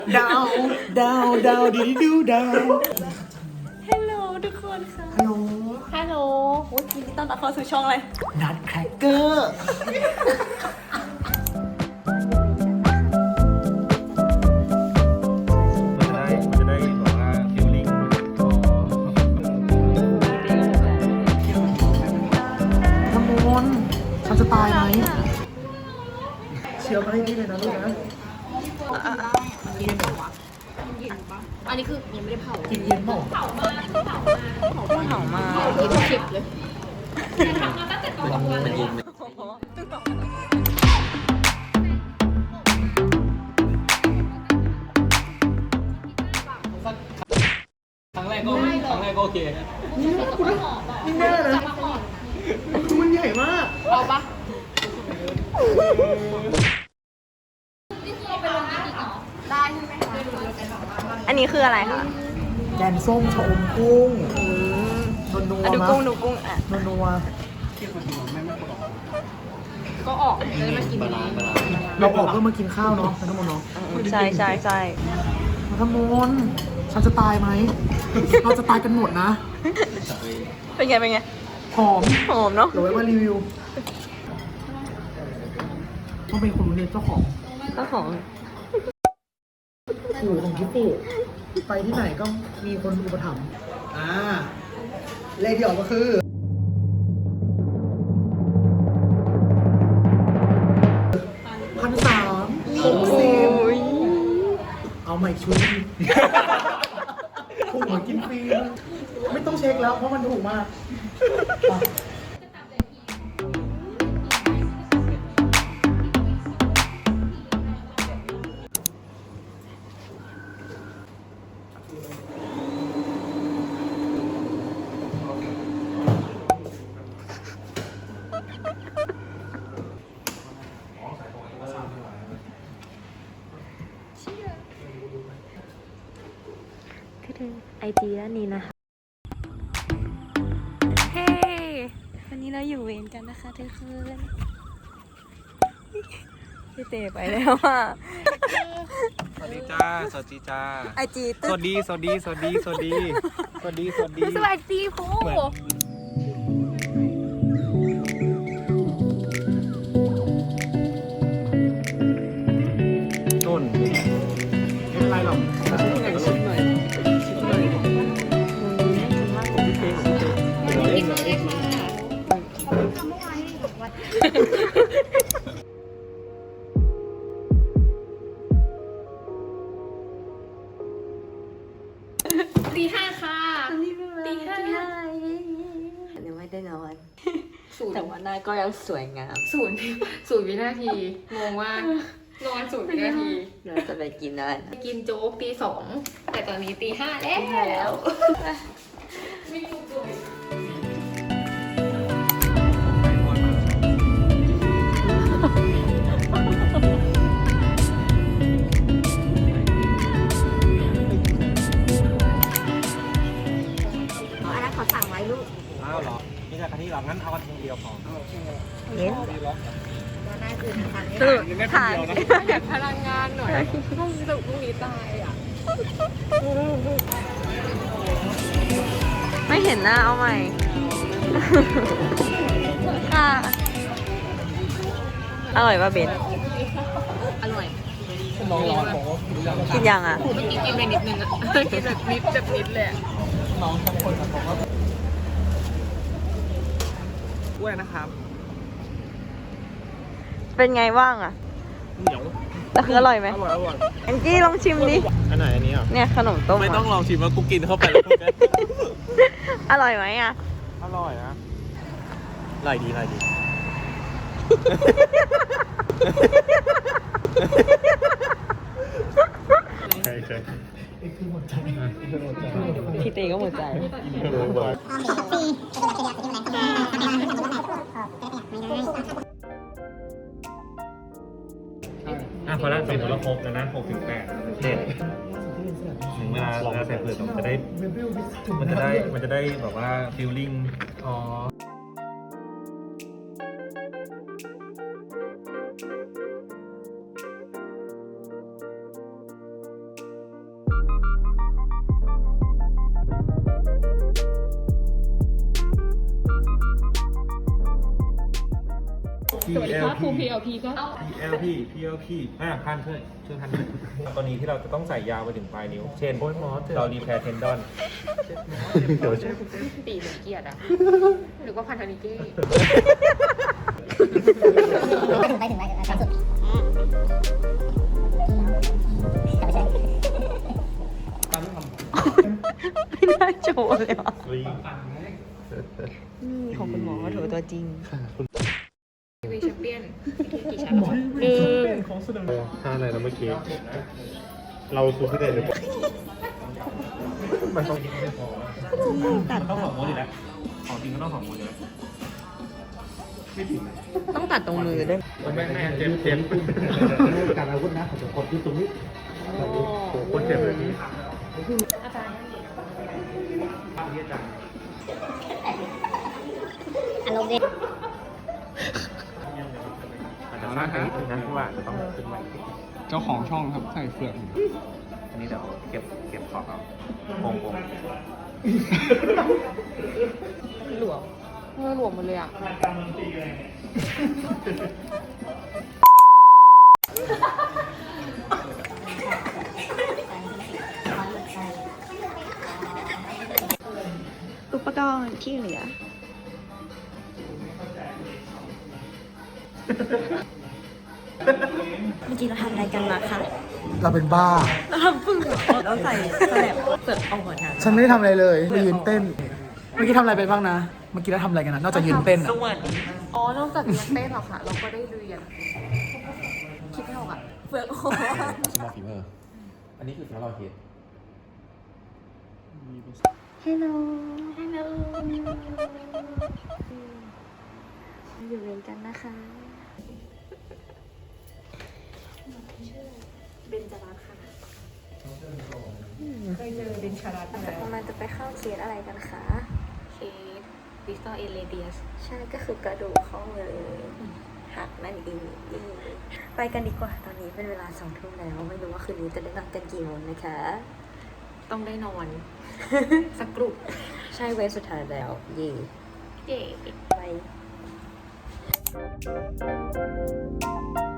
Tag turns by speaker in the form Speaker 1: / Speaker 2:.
Speaker 1: ดาวดาวดาวดีดูดาว
Speaker 2: ฮัลโหลทุกคนค่ะ
Speaker 1: ฮัลโหล
Speaker 2: ฮัลโหลโอ้ยยินดีต้อนรับเข้าสู่ช่องอะไร
Speaker 1: นัดแครกเกอร์
Speaker 3: มันจะได้แบบว่าฟิลลิ่ง
Speaker 1: น้ำมนต์ฉันจะตายไหมเชียวมาให้พี่เลยนะลูกนะ
Speaker 2: อันนี้คือยังไม่ได้เผา
Speaker 1: กินเย็นเปล่า
Speaker 2: เผามากินคลิปเลย
Speaker 3: มันยิงครั้งแรกก็โอเค
Speaker 1: นี่แน่นะคือมันใหญ่มาก
Speaker 2: เอาปะ
Speaker 4: อันนี้คืออะไรคะ
Speaker 1: แกงส้มชะอมกุ้งนัว
Speaker 4: อ่ะ
Speaker 1: ๆ
Speaker 4: ดู
Speaker 1: นะ
Speaker 4: กุ้งดูกุ้งอ่ะ
Speaker 1: นัว
Speaker 2: ก็ออกเลยมากิน
Speaker 3: บาลานซ์
Speaker 1: ๆเราออกเพื่อมากินข้าวเนาะน้ำมนต์เนาะ
Speaker 4: ใช่ใช่ใช่
Speaker 1: น้ำมนต์ฉันจะตายไหม เราจะตายกันหมดนะ
Speaker 4: เป็นไงเป็นไง
Speaker 1: หอม
Speaker 4: หอมเนาะ
Speaker 1: เดี๋ยวไว้มารีวิวต้องเป็นคนรู้เนี่ยเจ้าของ
Speaker 4: ก็หอม
Speaker 1: ปู่ของพี่ปู่ไปที่ไหนก็มีคนอุปถัมภ์เลขที่ออกก็คือ1,360เอาใหม่ชุดถูกเหมือนกินฟรีไม่ต้องเช็คแล้วเพราะมันถูกมาก
Speaker 4: คือไอจีด้านนี้นะคะเฮ้วันนี้เราอยู่เวรกันนะคะทุกคนพี่เต๋ไปแล้วอ่ะ
Speaker 3: สวัสดีจ้า สวัสดีจ้า
Speaker 4: ไอจี
Speaker 3: สวัสดี สวัสดี สวัสดี สวัสดี สวัสดี สวัสดี
Speaker 4: สวัสดีพู
Speaker 3: ต้น
Speaker 1: ไม่เป็นไรหรอกแต่งชุดหน่อย
Speaker 2: กินมาเลยค่ะตีห้าค่ะตีห้า
Speaker 4: เดี๋ยวไม่ได้นอน
Speaker 2: ศูนย์
Speaker 4: แต่ว่าหน้าก็ยังสวยงาม
Speaker 2: ศูนย์วินาทีงงมากนอนศูนย์วินาที
Speaker 4: เราจะไปกินอะไรนะ
Speaker 2: กินโจ๊กตีสองแต่ตอนนี้ตีห้าแล้ว
Speaker 4: อันนั้นเขาสั่งไว้ลูก
Speaker 3: อ้าวเหรอ นี่จากกะทิเหรอ งั้นเอากระทิเดียวพอ
Speaker 4: เห็น
Speaker 3: ดีล็อก
Speaker 4: สรุปถ่าย
Speaker 2: อยากพลังงานหน่อยพรุ่งนี้พรุ่งนี้ตายอ่ะ
Speaker 4: ไม่เห็นหน้าเอาใหม่ ค่ะ อร่อยป่ะเบน
Speaker 2: อร่อย
Speaker 3: น้องร้อนบอกว่า
Speaker 4: กินยังอ่ะ
Speaker 2: เมื่อกี้กินไปนิดนึงอ่ะกินแบบนิดเลยอะ
Speaker 3: น้องทั้งคนบอกว่าอ้วนนะครับ
Speaker 4: เป็นไงบ้างอ่ะ
Speaker 3: เหนียว
Speaker 4: แต่คืออร่อยไหม
Speaker 3: อร่อย อร่อย
Speaker 4: แองจี้ลองชิมดิ
Speaker 3: อันไหนอันนี้อ่ะ
Speaker 4: เนี่ยขนมต้ม
Speaker 3: ไม่ต้อง
Speaker 4: อะ
Speaker 3: ลองชิมว่ากูกินเข้าไปแล้วกูจะ
Speaker 4: อร่อยไหมอ่ะ
Speaker 3: อร่อยนะอร่อยดีอร่อยดี ใช่ใช่
Speaker 1: คือหมดใจ
Speaker 4: พี่เตก็หมดใจ
Speaker 3: พอแล้วใส่หมดแล้วครบแล้วนะ6 ถึง 8เด็ดถึงเวลาใส่เปลือกมันจะได้แบบว่าฟีลลิ่งอ๋อ
Speaker 2: สวัสดีครับครู PLP ก็
Speaker 3: PLP พันช่วยพันด้วยตอนนี้ที่เราจะต้องใส่ยาวไปถึงปลายนิ้ว เช่นเรารีแพร์เทนดอน
Speaker 2: ตีเหมือนเกียรติอะหรือว่าพันธนิกี้
Speaker 5: ไปถึงชั้นสุดแต่ไม่ใช่
Speaker 4: ไม่น่าโชว์เลยว่ะนี่ของคุณหมอโถตัวจริง
Speaker 2: ทีวีแชมเปี้ยนกี่ชั้นแล้วหนึ่ง
Speaker 3: ท่าอะไรนะเมื่อกี้ เราซูขึ้นได้หรือเปล่ามันต้องไม่พอมันต้องของโมดีแล้วของจริงก็ต้องของโมดีแล้วไม่ผิด
Speaker 2: ต้องตัดตรงมือด้วย
Speaker 3: ไม่เจ็บการอาวุธนะของคนที่ตรงนี้โอ้คนเจ็บเลยนี้อาจารย์
Speaker 5: อารมณ์ดี
Speaker 3: อาจจะมากไปนิดนึงนะเพราะว่าจะต้องขึ้นใหม่
Speaker 6: เจ้าของช่องครับใส่เฟือก
Speaker 3: อันนี้เดี๋ยวเก็บขอบเอาโกง
Speaker 2: หลวมหลวมหมดเลยอะ
Speaker 4: อุปกรณ์ที่เหลือ เมื่อกี้เราทำอะไรกันมาคะ
Speaker 1: เราเป็นบ้า
Speaker 4: เราทำปึ้งเราใส่สแลบเปิดออกมาทาง
Speaker 1: ฉันไม่ได้ทำอะไรเลยไปยืนเต้น เมื่อกี้ทำอะไรไปบ้างนะ เมื่อกี้เราทำอะไรกันนะนอกจากยืนเต้นอะ
Speaker 2: อ๋อนอกจากเรียนเต้นหรอคะเราก็ได้เรียนคิดไม่ออกอะเฟือกโอ้
Speaker 7: สมอลฟีเวอร์ อันนี้คือสำหรับเราเฮด
Speaker 4: ฮัลโหลฮัลโหลอยู่เรียนกันนะคะเบนจรัสค่ะเคยเจอเบนจรัสแล้วมันจะไปเข้าเคสอะไรกันคะเคสดิสโตเอเลเดียสใช่ก็คือกระดูกข้อมือหักนั่นเองไปกันดีกว่าตอนนี้เป็นเวลา2 ทุ่มแล้วไม่รู้ว่าคืนนี้จะได้นอนกันกี่โมงนะคะ
Speaker 2: ต้องได้นอน สักกรุบ
Speaker 4: ใช่เวฟสุดท้ายแล้ว เย่
Speaker 2: เย่
Speaker 4: ไป